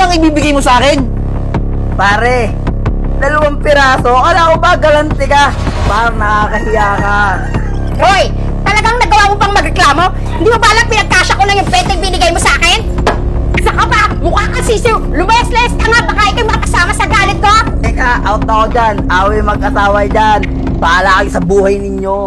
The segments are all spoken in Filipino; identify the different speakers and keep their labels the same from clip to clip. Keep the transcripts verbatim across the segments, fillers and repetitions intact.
Speaker 1: lang ibibigay mo sa akin? Pare, dalawang piraso. Akala ko ba galante ka? Parang nakakahiya ka.
Speaker 2: Hoy! Talagang nagawa mo bang magreklamo? Hindi mo ba alam pinagkasya ko lang yung benteng binigay mo sa akin? Saka ba? Mukha kang sisiw! Lumayas-layas ka nga! Baka ikaw makasama sa galit ko!
Speaker 1: Teka, out na ako dyan. Away mag-asawa dyan. Bahala kayo sa buhay ninyo.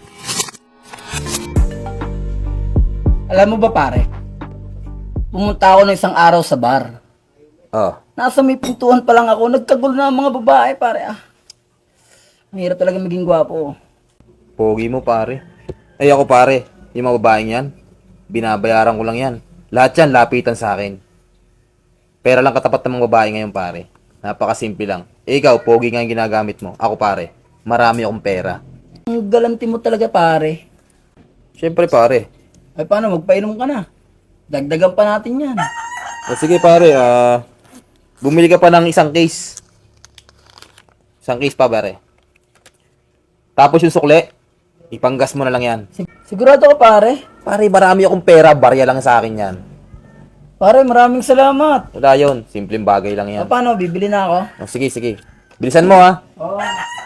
Speaker 1: Alam mo ba pare? Pumunta ako ng isang araw sa bar.
Speaker 3: Oh.
Speaker 1: Nasa may pintuan pa lang ako. Nagkagulo na ang mga babae pare ah. Mahirap talaga maging gwapo.
Speaker 3: Pogi mo, pare. Ay, ako, pare. Yung mga babaeng yan, binabayaran ko lang yan. Lahat yan, lapitan sa akin. Pera lang katapat ng mga babae ngayon, pare. Napakasimple lang. Eh, ikaw, pogi nga yung ginagamit mo. Ako, pare, marami akong pera.
Speaker 1: Ang galanti mo talaga pare.
Speaker 3: Siyempre, pare.
Speaker 1: Ay paano, magpainom ka na. Dagdagan pa natin yan.
Speaker 3: O, sige, pare. Ah, bumili ka pa ng isang case. Isang case pa, pare. Tapos yung sukle, ipanggas mo na lang yan.
Speaker 1: Sig- sigurado ka pare?
Speaker 3: Pare, marami akong pera. Barya lang sa akin yan.
Speaker 1: Pare, maraming salamat.
Speaker 3: Wala yun. Simpleng bagay lang yan.
Speaker 1: Ah, paano, bibili na ako?
Speaker 3: O, sige, sige. Bilisan mo, ha.
Speaker 1: Oo.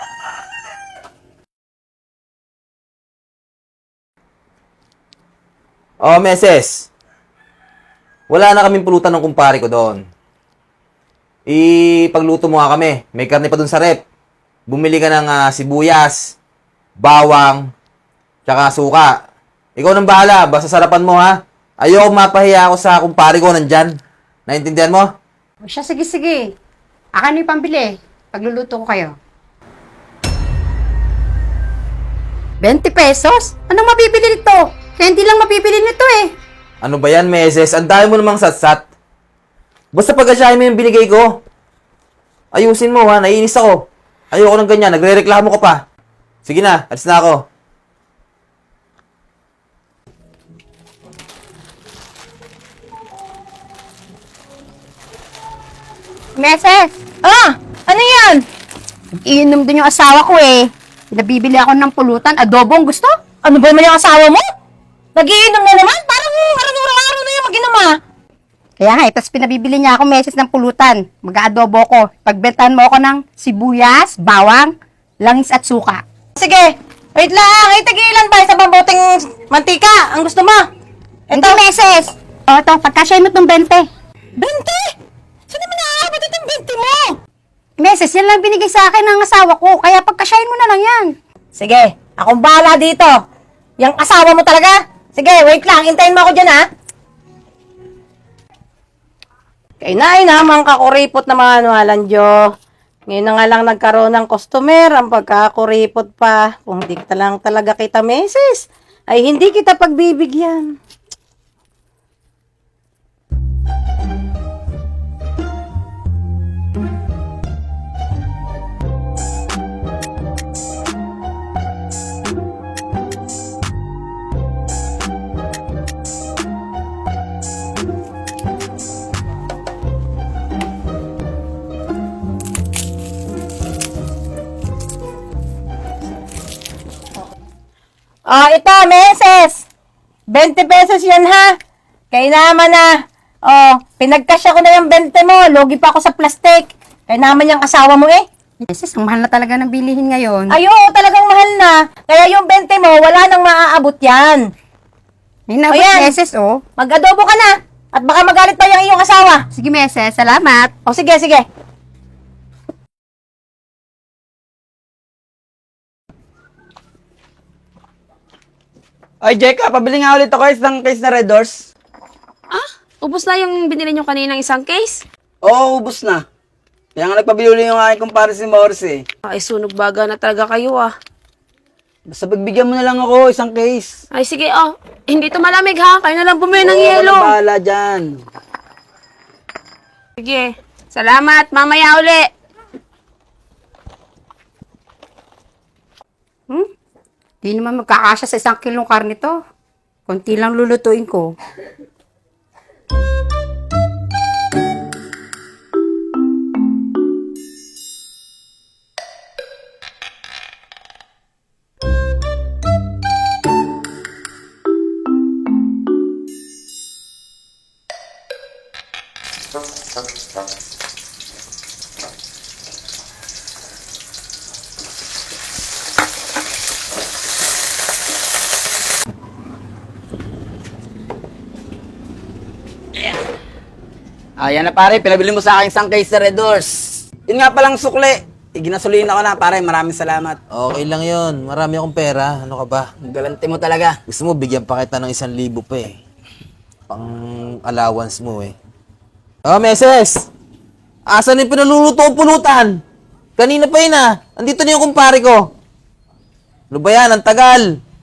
Speaker 3: Oh, meses. Wala na kaming pulutan ng kumpare ko doon. Ipagluto mo nga kami. May karne pa doon sa rep. Bumili ka ng ah, sibuyas, bawang, tsaka suka. Ikaw nang bahala. Basta sarapan mo, ha. Ayoko mapahiya ako sa kumpare ko nandyan. Naintindihan mo?
Speaker 2: O siya, sige, sige. Akin na yung pambili. Pagluluto ko kayo. twenty pesos? Anong mabibili nito? Kaya hindi lang mabibili nito eh.
Speaker 3: Ano ba yan, meses? Ang dami mo namang satsat. Basta pagkasyahin mo yung binigay ko. Ayusin mo, ha. Naiinis ako. Ayoko ng ganyan. Nagre-reklamo ka pa. Sige na. Alis na ako.
Speaker 2: Meses! Ah! Ano yan? Iinom din yung asawa ko eh. Pinabibili ako ng pulutan. Adobong gusto? Ano ba naman yung asawa mo? Nagiinom na naman? Parang araw-araw na yung mag-inom ah. Kaya nga, eh, tapos pinabibili niya ako meses ng pulutan. Mag-aadobo ko. Pagbentahan mo ako ng sibuyas, bawang, langis at suka.
Speaker 4: Sige, wait lang. Ay, tagilan ba sa mabuting mantika? Ang gusto mo?
Speaker 2: Hindi meses. O, ito, pagkasya mo itong bente.
Speaker 4: Bente? Saan naman naaabot itong bente mo?
Speaker 2: Meses, yan lang binigay sa akin ng asawa ko. Kaya pagkasyahin mo na lang yan.
Speaker 4: Sige, akong bahala dito. Yang asawa mo talaga? Sige, wait lang. Hintayin mo ako dyan, ha? Kay na naman kakuripot na mga anualan, Jo. Ngayon na nga lang nagkaroon ng customer, ang pagkakuripot pa. Kung di ka lang talaga kita meses, ay hindi kita pagbibigyan. Ah, ito, meses. twenty pesos yan, ha? Kaya naman na. Oh, pinagkasya ko na yung twenty mo. Logi pa ako sa plastic. Kaya naman yung asawa mo, eh.
Speaker 2: Meses, ang mahal na talaga ng bilihin ngayon.
Speaker 4: Ay, oo, talagang mahal na. Kaya yung twenty mo, wala nang maaabot yan.
Speaker 2: May nabot
Speaker 4: Ayan.
Speaker 2: meses, oh.
Speaker 4: Mag-adobo ka na. At baka magalit pa yung iyong asawa.
Speaker 2: Sige, meses. Salamat.
Speaker 4: O, sige, sige.
Speaker 1: Ay, Jeka, pabili nga ulit ako isang case na Red Doors.
Speaker 5: Ah, ubos na yung binili nyo kaninang isang case?
Speaker 1: Oo, ubus na. Kaya nga nagpabili ulit yung aking kumpare si Morris eh.
Speaker 5: Ay, sunog baga na talaga kayo ah.
Speaker 1: Basta pagbigyan mo na lang ako isang case.
Speaker 5: Ay, sige oh. Hindi to malamig ha. Kayo na lang bumili ng
Speaker 1: Oo,
Speaker 5: yelo.
Speaker 1: walang bahala dyan.
Speaker 5: Sige. Salamat. Mamaya uli.
Speaker 2: Hmm? Di naman magkakasya sa isang kilong karne to. Konti lang lulutuin ko.
Speaker 1: Ayan na pare, pinabili mo sa akin isang case na Red Doors. Yun nga palang sukli. Iginasolina ko na pare, maraming salamat.
Speaker 3: Okay lang yun. Marami akong pera. Ano ka ba?
Speaker 1: Ang galante mo talaga.
Speaker 3: Gusto mo, bigyan pa kita ng isang libo pa eh. Pang allowance mo eh. Oh, meses! Asan yung pinaluluto o pulutan? Kanina pa yun ah. Andito na yung kumpare ko. Ano ba yan? Ang tagal.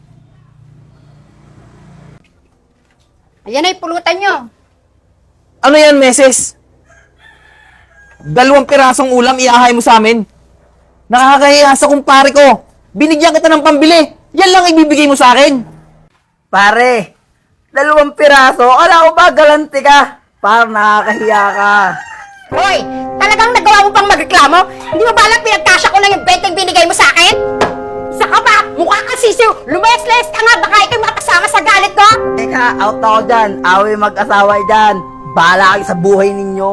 Speaker 2: Ayan na yung pulutan nyo.
Speaker 3: Ano yan, meses? Dalawang pirasong ulam iahay mo sa amin. Nakakahiya sa kumpare ko. Binigyan kita ng pambili. Yan lang ibibigay mo sa akin.
Speaker 1: Pare, dalawang piraso. Ala ko ba galante ka? Parang nakakahiya ka.
Speaker 2: Hoy, talagang nagawa mo pang magreklamo? Hindi mo ba alam pinagkasya ko lang yung benteng binigay mo sa akin? Isa ka ba? Mukha kang sisiw. Lumayas-layas ka nga. Baka ikaw makasama sa galit ko.
Speaker 1: Teka, out ako dyan. Away mag-asawa dyan. Bahala kayo sa buhay ninyo.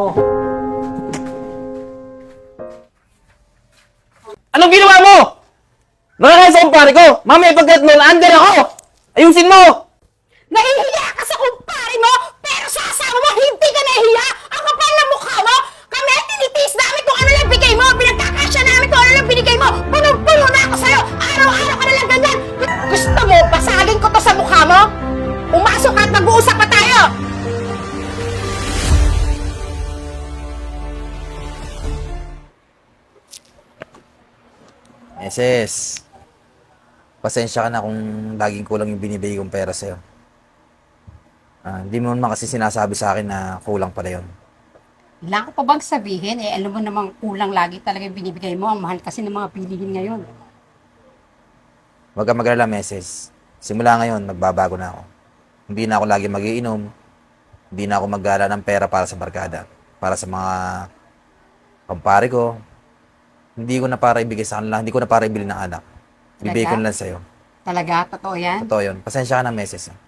Speaker 3: Anong ginawa mo? Nakakaya sa kumpare ko. Mamaya pagkat mo, under ako. Ayusin mo.
Speaker 2: Nahihiya ka sa kumpare mo, pero sa asawa mo, hindi ka nahihiya! Ang kapal ng mukha mo! Kami, tinitiis namin kung ano lang bigay mo! Pinagkakasya namin kung ano lang binigay mo! Punong-puno na ako sa'yo! Araw-araw ka na lang ganyan! Gusto mo, basagin ko to sa mukha mo? Umasok ka at mag-uusap pa tayo!
Speaker 3: Meses, pasensya ka na kung laging kulang yung binibigay kong pera sa'yo. Ah, hindi mo naman kasi sinasabi sa akin na kulang pala yun.
Speaker 2: Kailangan ko pa bang sabihin? Eh, alam mo namang kulang lagi talaga yung binibigay mo. Ang mahal kasi ng mga bilihin ngayon.
Speaker 3: Huwag ka mag-alala, Meses. Simula ngayon, magbabago na ako. Hindi na ako lagi magiinom. Hindi na ako maggala ng pera para sa barkada. Para sa mga kampare ko. Hindi ko na para ibigay sa kanila. Hindi ko na para ibili ng anak. Bibigay ko na lang sa'yo.
Speaker 2: Talaga? Totoo yan?
Speaker 3: Totoo yun. Pasensya ka na, Meses. ah.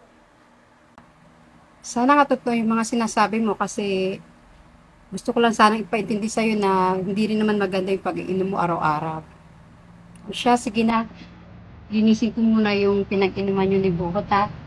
Speaker 2: Sana nga totoo yung mga sinasabi mo kasi gusto ko lang sana ipaintindi sa'yo na hindi rin naman maganda yung pag-iinom mo araw-araw. O siya, sige na. Linisin ko muna yung pinag-inuman yun ni Bukot ha.